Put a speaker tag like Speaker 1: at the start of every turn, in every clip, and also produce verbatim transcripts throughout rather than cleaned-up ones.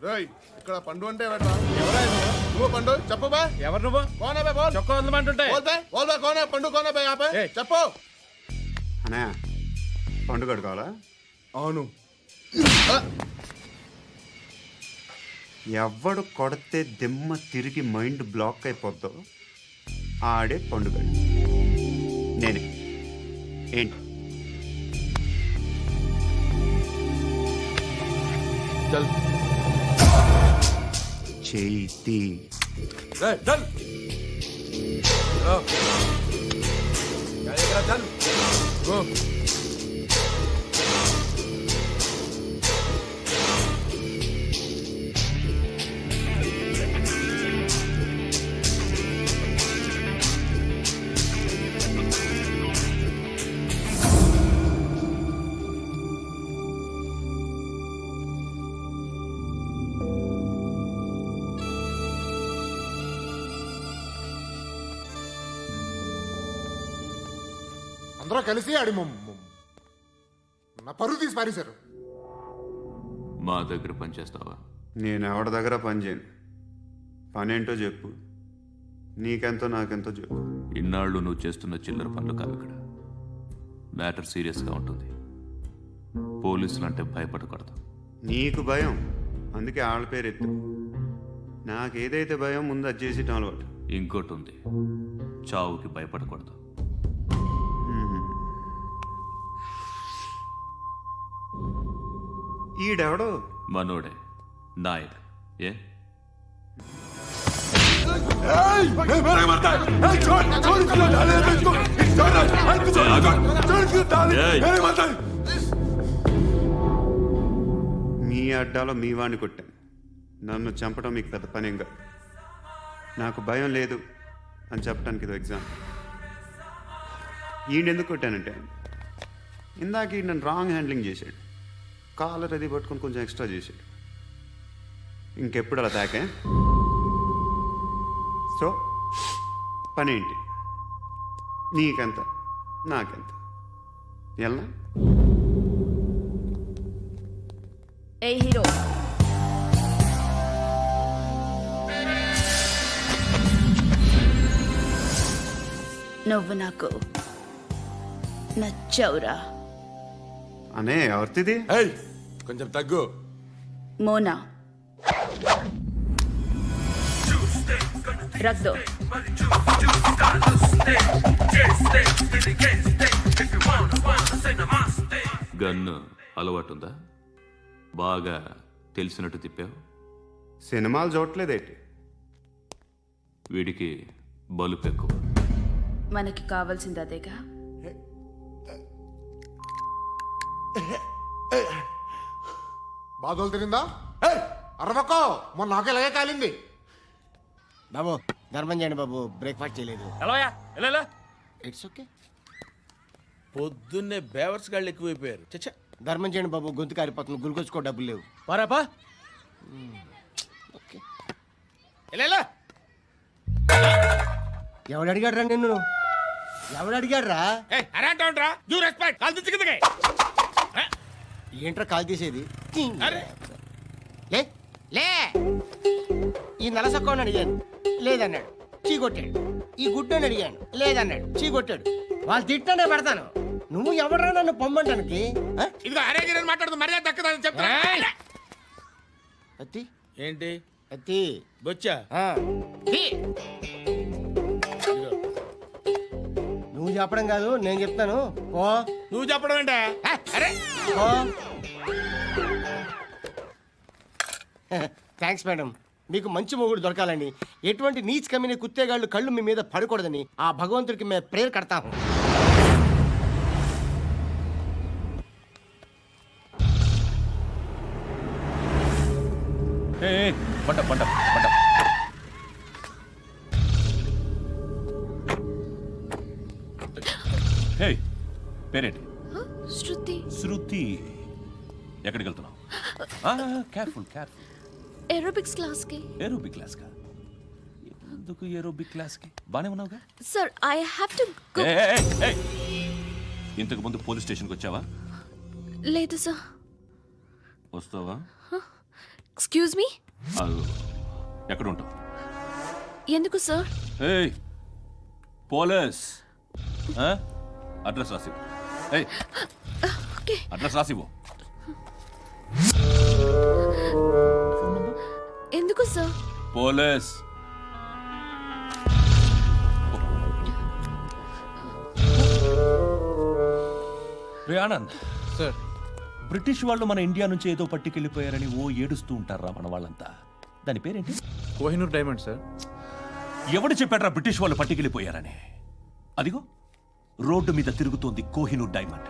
Speaker 1: ఇక్కడ పండు అంటే నువ్వు పండు చెప్పు బా
Speaker 2: ఎవరు నువ్వు
Speaker 1: కోనే బే బోల్
Speaker 2: చొక్కా వదలమంటుంటే
Speaker 1: బోల్ బే బోల్ బే కోనే పండు కోనే బే ఆపే చెప్పు
Speaker 3: అనే పండు కడుకోవాలా
Speaker 1: అవును
Speaker 3: ఎవడు కొడితే దిమ్మ తిరిగి మైండ్ బ్లాక్ అయిపోద్దో ఆడే పండుగ నేనే ఏంటి
Speaker 1: చల్
Speaker 3: చేతి
Speaker 1: చల్ చల్ గో అందరూ కలిసి ఆడి నా పరువు తీసి పారేశారు.
Speaker 4: మా దగ్గర పని చేస్తావా?
Speaker 3: నేను ఎవరి దగ్గర పని చేయను. పని ఏంటో చెప్పు, నీకెంతో నాకెంతో చెప్పు.
Speaker 4: ఇన్నాళ్ళు నువ్వు చేస్తున్న చిల్లర పనులు కావు ఇక్కడ. మ్యాటర్ సీరియస్గా ఉంటుంది. పోలీసులు అంటే భయపడకూడదు.
Speaker 3: నీకు భయం, అందుకే ఆళ్ళ పేరు ఎత్తు. నాకేదైతే భయం ముందు అది చేసి అలవాటు.
Speaker 4: ఇంకోటి ఉంది, చావుకి భయపడకూడదు.
Speaker 3: ఈడెవడో
Speaker 4: మనోడే నాయక్. ఏ
Speaker 3: మీ అడ్డాలో మీ వాడిని కొట్టాను. నన్ను చంపడం మీకు పెద్ద పనేంగా. నాకు భయం లేదు అని చెప్పడానికి ఇది ఎగ్జామ్. ఈయన ఎందుకు కొట్టానంటే ఇందాక ఈ నన్ను రాంగ్ హ్యాండ్లింగ్ చేశాడు. కాలర్ అది పట్టుకొని కొంచెం ఎక్స్ట్రా చేశాడు. ఇంకెప్పుడు అలా తాకే. సో పని ఏంటి? నీకెంత నాకెంత ఎలా?
Speaker 5: ఏ హీరో, నువ్వు నాకు నచ్చవురా.
Speaker 3: అనే ఎవరిది?
Speaker 1: కొంచెం తగ్గు.
Speaker 5: మోనా రక్ దో.
Speaker 4: గన్ను అలవాటుందా? బాగా తెలిసినట్టు తిప్పావు.
Speaker 3: సినిమాలు చూడట్లేదేంటి?
Speaker 4: వీడికి బలుపు ఎక్కువ.
Speaker 5: మనకి కావాల్సింది అదేగా.
Speaker 1: బాధలు తిరిందా? అరవకో, మొన్న నాకు ఇలాగే కాలింది.
Speaker 6: బాబు ధర్మం చేయండి బాబు, బ్రేక్ఫాస్ట్ చేయలేదు.
Speaker 2: It's okay. పొద్దున్నే బేవర్స్ గాళ్ళు ఎక్కువైపోయారు. చచ్చా,
Speaker 6: ధర్మం చేయండి బాబు, గొంతు కారిపోతుంది, గురికొచ్చుకో డబ్బులు లేవు.
Speaker 2: పారాపా.
Speaker 6: ఓకే. ఎవడు అడిగాడు రా నిన్ను? ఎవడు అడిగాడు రా? ఏంట్రా కాల్ తీసేది? లే లే ఈ నలసక్కని అడిగాను, లేదన్నాడు, చీ కొట్టాడు. ఈ గుడ్డని అడిగాను, లేదన్నాడు, చీ కొట్టాడు. వాళ్ళు తిట్టానే పెడతాను. నువ్వు ఎవడరా నన్ను పొమ్మంటానికి?
Speaker 2: ఇదిగో అరే గిరని మాట్లాడుతూ మర్యాద దక్కదని చెప్తా.
Speaker 6: అత్తి
Speaker 2: ఏంటి
Speaker 6: అత్తి
Speaker 2: బొచ్చా?
Speaker 6: నువ్వు చెప్పడం కాదు, నేను చెప్తాను. ఓ
Speaker 2: నువ్వు చెప్పడం ఏంటా? అరే
Speaker 6: థ్యాంక్స్ మేడం. మీకు మంచి మొగుడు దొరకాలని, ఎటువంటి నీచ్ కమ్మిన కుత్తేగాళ్ళు కళ్ళు మీ మీద పడకూడదని ఆ భగవంతుడికి మేము ప్రేయర్ కడతాము.
Speaker 4: పంట పంట పంట. హే, పేరేంటి?
Speaker 5: శృతి.
Speaker 4: శృతి. ఎక్కడికి వెళ్తున్నావు? Careful careful.
Speaker 5: ఏరోబిక్స్ క్లాస్ కి.
Speaker 4: ఏరోబిక్ క్లాస్ కా? ఎందుకు ఏరోబిక్ క్లాస్ కి? బానే ఉన్నావుగా?
Speaker 5: Sir I have to go.
Speaker 4: ఇంతకు ముందు పోలీస్ స్టేషన్కి వచ్చావా?
Speaker 5: లేదు సార్.
Speaker 4: వస్తావా?
Speaker 5: ఎక్స్క్యూజ్ మీ
Speaker 4: అది ఎక్కడ ఉంటావు?
Speaker 5: ఎందుకు సార్?
Speaker 4: ఏయ్ పోలీస్, ఆ? అడ్రస్ రాసివ్వు. ఏయ్
Speaker 5: ఓకే.
Speaker 4: అడ్రస్ రాసివ్వు.
Speaker 5: ఎందుకు సార్?
Speaker 4: పోలీస్.
Speaker 7: రే ఆనంద్
Speaker 1: సార్
Speaker 7: బ్రిటిష్ వాళ్ళు మన ఇండియా నుంచి ఏదో పట్టుకెళ్ళిపోయారని ఓ ఏడుస్తూ ఉంటారా మన వాళ్ళంతా. దాని పేరేంటి?
Speaker 1: Kohinoor diamond sir.
Speaker 7: ఎవడు చెప్పాడ్రా బ్రిటిష్ వాళ్ళు పట్టుకెళ్ళిపోయారని? అదిగో రోడ్డు మీద తిరుగుతోంది కోహినూర్ డైమండ్.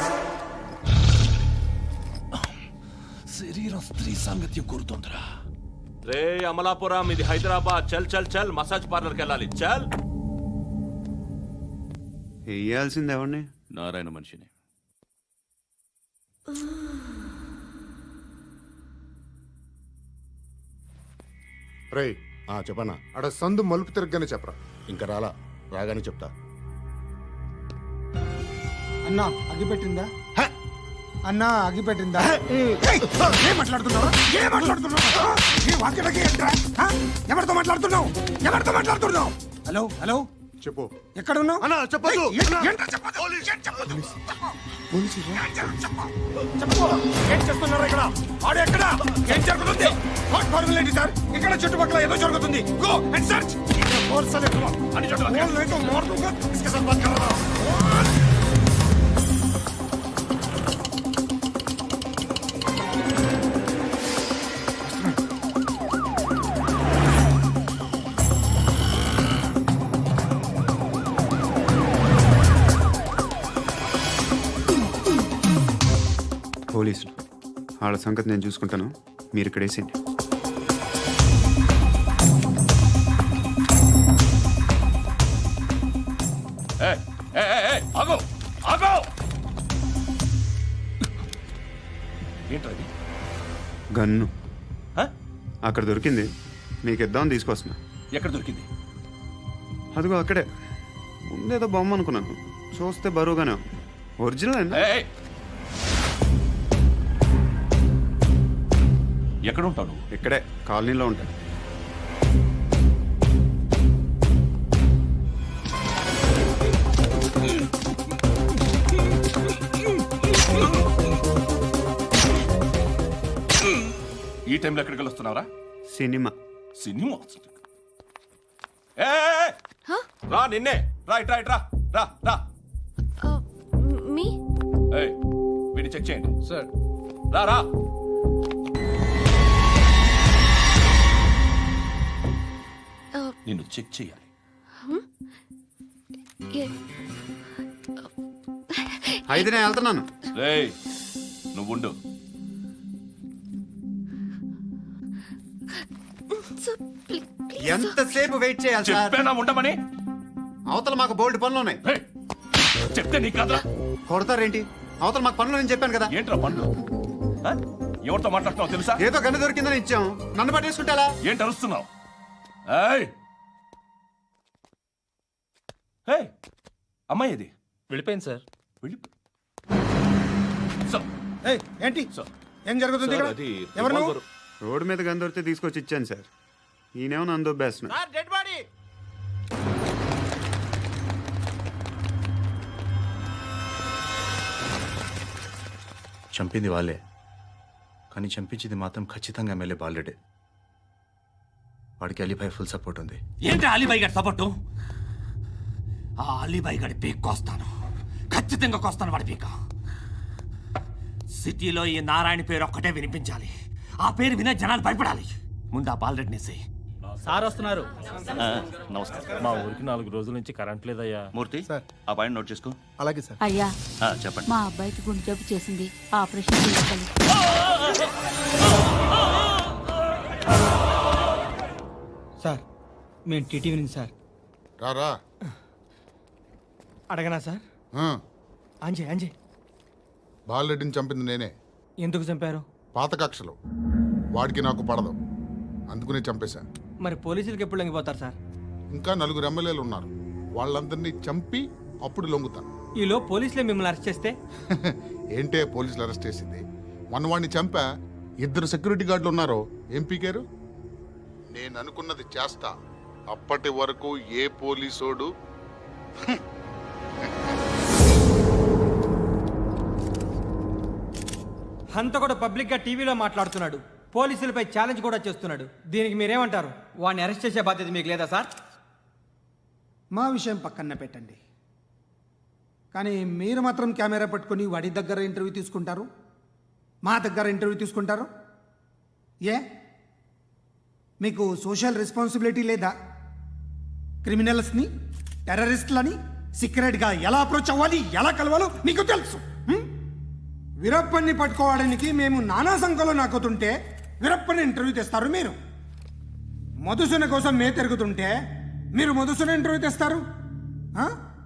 Speaker 7: శరీరం స్త్రీ సాంగత్యం కోరుతోందిరా.
Speaker 4: రే అమలాపురం, ఇది హైదరాబాద్. చల్ చల్ చల్, మసాజ్ పార్లర్కి వెళ్ళాలి. చల్.
Speaker 3: వేయాల్సింది ఎవరిని?
Speaker 4: నారాయణ మనిషిని.
Speaker 1: రే చెప్పనా అడ సందు మలుపు తిరగగానే చెప్పరా. ఇంకా రాలా, రాగానే చెప్తా.
Speaker 8: అన్నా అగిపెట్టిందా? అన్నా అగిపెట్టిందా? ఏం మాట్లాడుతున్నావు? ఏం మాట్లాడుతున్నావు? ఏ వాక్యలకి ఏంట్రా? హ? ఎవరితో మాట్లాడుతున్నావు? ఎవరితో మాట్లాడుతున్నావు? హలో హలో
Speaker 1: చెప్పు.
Speaker 8: ఎక్కడ ఉన్నావు?
Speaker 1: అన్నా చెప్పదు.
Speaker 8: ఏయ్, ఏంట్రా చెప్పొద్దు? ఏం చెప్పొద్దు? పోలీసులు? ఏం చెప్పు, చెప్పు. చెప్పు. ఏం చేస్తున్నారు ఇక్కడ? ఆడు ఎక్కడ? ఏం జరుగుతుంది? వాట్ ఫార్మల్ ఏంటి సార్? ఇక్కడ చుట్టుపక్కల ఏదో జరుగుతుంది. Go and search. ఫోర్స్ అనే తుమ. అని చెప్పు. बोल नहीं तो मार दूंगा. इसके साथ बात कर रहा हूं.
Speaker 3: పోలీసులు వాళ్ళ సంగతి నేను చూసుకుంటాను, మీరు ఇక్కడ వేసేయండి.
Speaker 4: ఏయ్, ఏయ్, ఏయ్, ఏయ్, ఆగు, ఆగు.
Speaker 7: ఏంట్రా ఇది?
Speaker 3: గన్ను
Speaker 7: హ?
Speaker 3: అక్కడ దొరికింది, మీకు ఇద్దామని తీసుకొస్తున్నా.
Speaker 7: ఎక్కడ దొరికింది?
Speaker 3: అదిగో అక్కడే. ముందేదో బొమ్మ అనుకున్నాను, చూస్తే బరువుగానే ఉంది. ఒరిజినల్ అండి.
Speaker 4: ఏయ్, ఏయ్. ఎక్కడ ఉంటావు నువ్వు?
Speaker 3: ఇక్కడే కాలనీలో ఉంటాయి.
Speaker 4: ఈ టైంలో ఎక్కడికి వస్తున్నావురా?
Speaker 3: సినిమా.
Speaker 4: సినిమా. ఏయ్, ఏయ్, ఏయ్. రా నిన్నే. రా ఇట్ రా ఇట్ రా రా రా.
Speaker 5: మీ
Speaker 4: ఏయ్, వీడిని చెక్ చేయండి.
Speaker 1: సార్
Speaker 4: రా రా. నిన్ను చెక్ చేయాలి.
Speaker 3: అయితే నేను వెళ్తున్నాను.
Speaker 4: రేయ్ నువ్వుండు.
Speaker 3: ఎంతసేపు వెయిట్ చేయాలి సార్?
Speaker 4: చెప్పేనా ఉండమని?
Speaker 3: అవతల మాకు బోల్డ్ పనులు ఉన్నాయి.
Speaker 4: ఏయ్, చెప్తే నీకు కాదురా.
Speaker 3: కొడతారేంటి? అవతల మాకు పనులు నేను చెప్పాను కదా.
Speaker 4: ఏంట్రా పండ్లు? ఆ? ఎవరితో మాట్లాడుతున్నావు తెలుసా?
Speaker 3: ఏదో గన్ను దొరికిందని ఇచ్చాం, నన్ను పట్టేసుకుంటా.
Speaker 4: ఏంటి అరుస్తున్నావు? ఏయ్, ఏయ్, అమ్మాయి ఇది
Speaker 7: వెళ్ళిపోయింది సార్.
Speaker 4: వెళ్ళి సార్,
Speaker 8: ఏయ్, ఏంటి
Speaker 4: సార్,
Speaker 8: ఏం జరుగుతుంది ఇక్కడ?
Speaker 4: అది
Speaker 8: ఎవరు నువ్వు?
Speaker 4: రివాల్వర్.
Speaker 3: రోడ్డు మీద గన్ను దొరికితే తీసుకొచ్చి ఇచ్చాను సార్. ఈయనేమో నన్ను దొబ్బేస్తున్నా.
Speaker 6: Sir dead body.
Speaker 9: చంపింది వాళ్ళే, కానీ చంపించింది మాత్రం ఖచ్చితంగా ఎమ్మెల్యే బాలుడే. వాడికి అలీభాయ్ ఫుల్ సపోర్ట్ ఉంది.
Speaker 7: ఏంటి అలీబాయి గారి సపోర్టు? ఆ అలీబాయి గారి పీక్ కోస్తాను, ఖచ్చితంగా కోస్తాను వాడి పీక. సిటీలో ఈ నారాయణ పేరు ఒక్కటే వినిపించాలి. ఆ పేరు వినే జనాలు భయపడాలి. ముందు ఆ బాలరెడ్డిని వేసేయ్.
Speaker 10: సార్ వస్తున్నారు.
Speaker 4: నమస్కారం.
Speaker 10: మా ఊరికి నాలుగు రోజుల నుంచి కరెంట్ లేదయ్యా.
Speaker 4: మూర్తి, ఆ పాయింట్ నోట్ చేసుకో.
Speaker 1: అలాగే సార్.
Speaker 11: అయ్యా,
Speaker 4: ఆ, చెప్పండి.
Speaker 11: మా అబ్బాయికి గుండె జబ్బు చేసింది, ఆపరేషన్ చేయాలి.
Speaker 8: సార్ మేము టీటీవీ నుంచి సార్.
Speaker 1: రారా.
Speaker 8: అడగనా సార్? అంజే అంజే
Speaker 1: బాలరెడ్డిని చంపింది నేనే.
Speaker 8: ఎందుకు చంపారు?
Speaker 1: పాత కక్షలు వాడికి నాకు పడదు, అందుకునే చంపేశా.
Speaker 8: మరి పోలీసులకి ఎప్పుడు లొంగిపోతారు సార్?
Speaker 1: ఇంకా నలుగురు ఎమ్మెల్యేలు ఉన్నారు, వాళ్ళందరినీ చంపి అప్పుడు లొంగుతాను.
Speaker 8: ఈలో పోలీసులే మిమ్మల్ని అరెస్ట్ చేస్తే?
Speaker 1: ఏంటే పోలీసులు అరెస్ట్ చేసింది? మన వాడిని చంపా, ఇద్దరు సెక్యూరిటీ గార్డులు ఉన్నారు ఏం పీకారు నేను అనుకున్నది చేస్తా అప్పటి వరకు ఏ పోలీసోడు
Speaker 10: హంతకుడు పబ్లిక్ గా టీవీలో మాట్లాడుతున్నాడు, పోలీసులపై ఛాలెంజ్ కూడా చేస్తున్నాడు. దీనికి మీరేమంటారు? వాడిని అరెస్ట్ చేసే బాధ్యత మీకు లేదా సార్?
Speaker 12: మా విషయం పక్కన పెట్టండి, కానీ మీరు మాత్రం కెమెరా పట్టుకొని వాడి దగ్గర ఇంటర్వ్యూ తీసుకుంటారు, మా దగ్గర ఇంటర్వ్యూ తీసుకుంటారు. ఏ మీకు సోషల్ రెస్పాన్సిబిలిటీ లేదా? క్రిమినల్స్ని టెర్రరిస్టులని సీక్రెట్గా ఎలా అప్రోచ్ అవ్వాలి, ఎలా కలవాలో మీకు తెలుసు. హ్మ్? వీరప్పన్ని పట్టుకోవడానికి మేము నానా సంఖ్యలో నాకుతుంటే వీరప్పని ఇంటర్వ్యూ తెస్తారు మీరు. మధుసూన కోసం మే తిరుగుతుంటే మీరు మధుసూన ఇంటర్వ్యూ తెస్తారు. ఆ?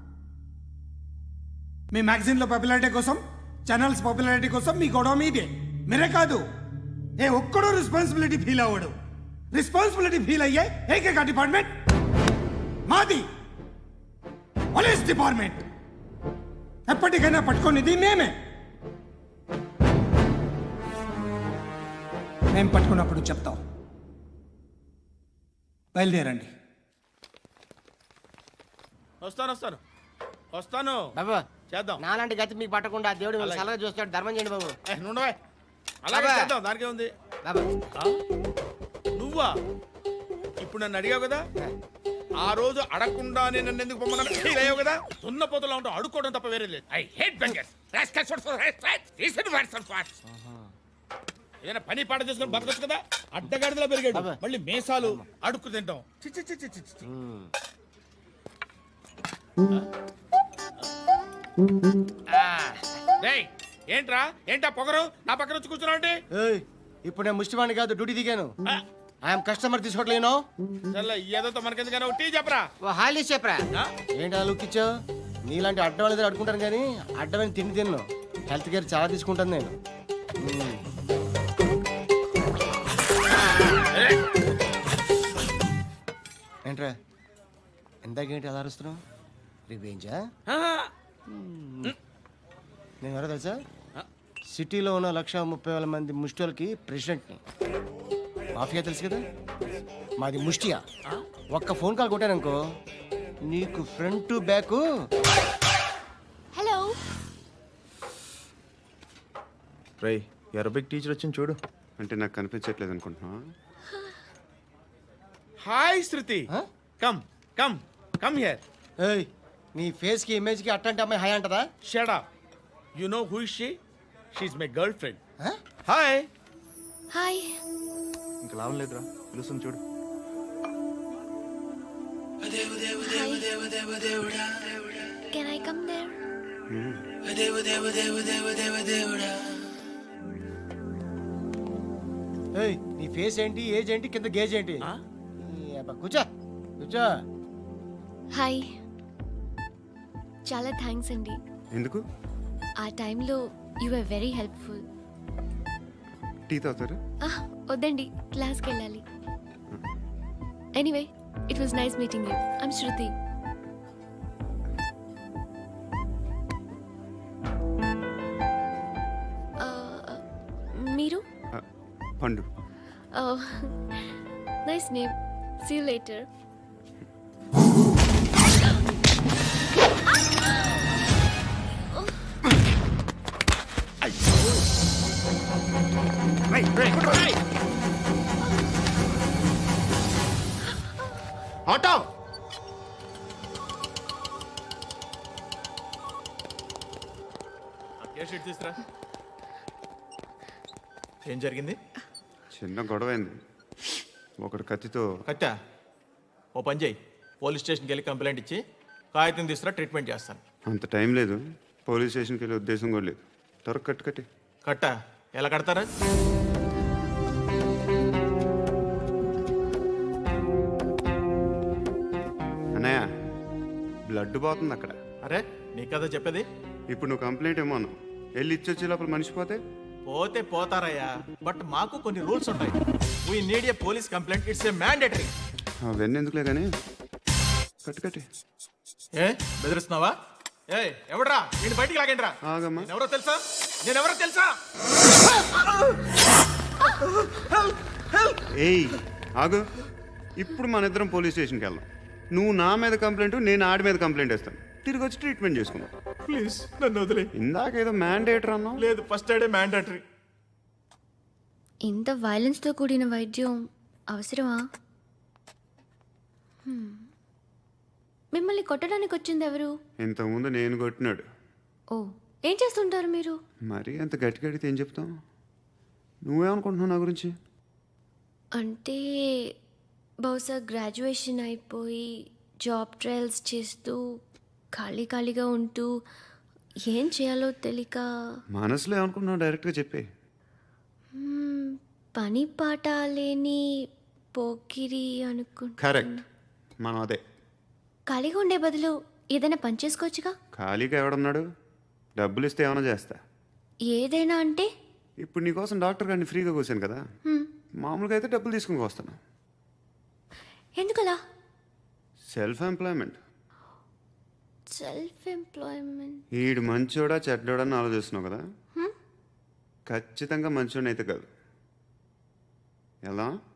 Speaker 12: మీ మ్యాగజైన్లో పాపులారిటీ కోసం, ఛానల్స్ పాపులారిటీ కోసం మీ గొడవ మీదే. మీరే కాదు, ఏ ఒక్కడో రెస్పాన్సిబిలిటీ ఫీల్ అవ్వడు. రెస్పాన్సిబిలిటీ ఫీల్ అయ్యే ఏకైక డిపార్ట్మెంట్ మాది, పోలీస్ డిపార్ట్మెంట్. ఎప్పటికైనా పట్టుకునేది మేమే. మేము పట్టుకున్నప్పుడు చెప్తాం. బయలుదేరండి.
Speaker 2: వస్తాను వస్తాను వస్తాను
Speaker 6: బాబు
Speaker 2: చేద్దాం.
Speaker 6: నాలాంటి గతి మీకు పట్టకుండా దేవుడు మిమ్మల్ని సలహా చూస్తాడు. ధర్మం చేయండి బాబు.
Speaker 2: ఏ, నుండవే అలాగే
Speaker 6: అబ్బా.
Speaker 2: చేద్దాం, దానికే ఉంది.
Speaker 6: బాబు
Speaker 2: ఆ? నువ్వా ఇప్పుడు నన్ను అడిగావు కదా, ఆ రోజు అడగకుండానే నన్ను ఎందుకు పొమ్మన్నాను ఫీల్ అయ్యావు కదా. సున్న పోతలో ఉంటావు, అడుక్కోవడం తప్ప వేరే లేదు. I hate beggars. ఏదైనా పని పాట చేసుకుని బతకొచ్చు కదా. అడ్డగాడిదలా పెరిగాడు,
Speaker 6: అబ్బా.
Speaker 2: మళ్ళీ మేసాలు అడుక్కు తింటాం. చి, చి, చి, చి, చి, చి.
Speaker 6: ఆ.
Speaker 2: రేయ్, ఏంట్రా ఏంటా పొగరు నా పక్కన వచ్చి కూర్చున్నావు అంటే?
Speaker 6: ఏయ్, ఇప్పుడు నేను ముష్టివాణి కాదు, డ్యూటీ దిగాను. ఐఎమ్ కస్టమర్ తీసుకోవట్లేను.
Speaker 2: చల్ల ఏదో మనకెందుకైనా టీ చెప్పరా.
Speaker 6: ఓ హాలీ చెప్పరా.
Speaker 2: ఆ?
Speaker 6: ఏంటి అలా లుక్ ఇచ్చావు? నీలాంటి అడ్డం వాళ్ళ దగ్గర అడుకుంటాను కానీ అడ్డమైన తిండి తిన్ను. హెల్త్ కేర్ చాలా తీసుకుంటాను నేను. మ్మ్. ఏంట్రా ఎందాకేంటి అలా అరుస్తున్నావు? రివేంజా?
Speaker 2: ఆహా.
Speaker 6: నేను ఎవరో తెలుసా? సిటీలో ఉన్న లక్ష ముప్పై వేల మంది ముష్టిలకి ప్రెసిడెంట్ని. మాఫియా తెలుసు కదా, మాది ముష్టియా. ఒక్క ఫోన్ కాల్ కొట్టాననుకో నీకు ఫ్రంట్ టు బ్యాక్.
Speaker 5: హలో.
Speaker 9: రై అరబిక్ టీచర్ వచ్చింది చూడు.
Speaker 3: అంటే నాకు కనిపించట్లేదు అనుకుంటున్నా.
Speaker 2: Hi Shruti,
Speaker 6: Huh?
Speaker 2: Come come come here.
Speaker 6: ఏయ్, నీ ఫేస్ కి ఇమేజ్ కి అట్టంటే అమ్మాయి హాయ్ అంటదా?
Speaker 2: Shut up. You know who is she? She is my girlfriend.
Speaker 6: Huh?
Speaker 2: Hi.
Speaker 5: Hi.
Speaker 9: ఇంకా లాభం లేదురా, పిలుస్తుంది చూడు.
Speaker 5: Can I come there?
Speaker 6: ఏయ్, నీ ఫేస్ ఏంటి, ఏజ్ ఏంటి, కింద గేజ్ ఏంటి? ఈ అబ్బా, కూర్చో కూర్చో.
Speaker 5: హాయ్. చాలా థ్యాంక్స్ అండి.
Speaker 3: ఎందుకు?
Speaker 5: ఆ టైంలో you are very helpful.
Speaker 3: Tea తాగుతారా?
Speaker 5: వద్దండి, క్లాస్కి వెళ్ళాలి. Anyway, it was nice meeting you. I'm Shruti. మీరు?
Speaker 3: ఆ, Pandu.
Speaker 5: Nice name. See you later.
Speaker 1: Auto
Speaker 2: తీసురా.
Speaker 9: ఏం జరిగింది?
Speaker 3: చిన్న గొడవ అయింది. ఒకడు కత్తితో.
Speaker 9: కట్టా ఓ పని చేయి, పోలీస్ స్టేషన్కి వెళ్ళి కంప్లైంట్ ఇచ్చి కాగితం తీసుకురా, ట్రీట్మెంట్ చేస్తాను.
Speaker 3: అంత టైం లేదు, పోలీస్ స్టేషన్కి వెళ్ళే ఉద్దేశం కూడా లేదు. త్వరగా కట్టు కట్టి.
Speaker 9: కట్టా ఎలా కడతారా?
Speaker 3: అన్నయ్య, బ్లడ్ పోతుంది అక్కడ.
Speaker 9: అరే నీ కదా చెప్పేది.
Speaker 3: ఇప్పుడు నువ్వు కంప్లైంట్ ఏమో అన్నావు, వెళ్ళి ఇచ్చొచ్చే లోపల మనిషి పోతే
Speaker 9: పోతే పోతారయ్యా, బట్ మాకు కొన్ని రూల్స్ ఉంటాయి. We need a police complaint, it's a mandatory.
Speaker 3: అవన్నీ ఎందుకులే కానీ కట్టు కట్టి.
Speaker 9: ఏ బెదిరిస్తున్నావా? ఏ ఎవడ్రా నేను బయటికి లాగండి రా.
Speaker 3: ఆగమ్మా.
Speaker 9: ఎవరో తెలుసా? నేను ఎవరో తెలుసా?
Speaker 3: ఏయ్ ఆగు, ఇప్పుడు మన ఇద్దరం పోలీస్ స్టేషన్కి వెళ్దాం. నువ్వు నా మీద కంప్లైంట్, నేను ఆడి మీద కంప్లైంట్ వేస్తాను. తిరిగి వచ్చి ట్రీట్మెంట్ చేసుకుందాం.
Speaker 9: ప్లీజ్ నన్ను వదిలే.
Speaker 3: ఇందాక ఏదో మ్యాండేటర్ అన్నావు.
Speaker 9: లేదు, ఫస్ట్ ఎయిడే మ్యాండేటరీ.
Speaker 5: ఇంత వైలెన్స్తో కూడిన వైద్యం అవసరమా? Hmm. మిమ్మల్ని కొట్టడానికి వచ్చింది ఎవరు?
Speaker 3: ఇంతకుముందు నేను కొట్టినాడు.
Speaker 5: ఓ, ఏం చేస్తుంటారు మీరు?
Speaker 3: మరి అంత గట్టిగా అడిగితే ఏం చెప్తాం? నువ్వేమనుకుంటున్నావు నా గురించి?
Speaker 5: అంటే బహుశా గ్రాడ్యుయేషన్ అయిపోయి జాబ్ ట్రయల్స్ చేస్తూ ఖాళీ ఖాళీగా ఉంటూ ఏం చేయాలో తెలియక
Speaker 3: మనసులో ఏమనుకుంటున్నావు డైరెక్ట్గా చెప్పే.
Speaker 5: మ్మ్, పని పాట లేని పోకిరి అనుకుంటా.
Speaker 3: కరెక్ట్, మనం అదే.
Speaker 5: ఖాళీగా ఉండే బదులు ఏదైనా పని చేసుకోవచ్చుగా.
Speaker 3: ఖాళీగా ఎవడన్నాడు? డబ్బులు ఇస్తే ఏమైనా చేస్తా.
Speaker 5: ఏదైనా అంటే?
Speaker 3: ఇప్పుడు నీకోసం డాక్టర్ గారిని ఫ్రీగా కూర్చాను కదా,
Speaker 5: హ్మ్,
Speaker 3: మామూలుగా అయితే డబ్బులు తీసుకుని వస్తాను.
Speaker 5: ఎందుకలా?
Speaker 3: Self employment.
Speaker 5: Self employment.
Speaker 3: ఈడు మంచోడా చెడ్డోడా అని ఆలోచిస్తున్నావు కదా, ఖచ్చితంగా మంచోడని అయితే కాదు. ఎలా?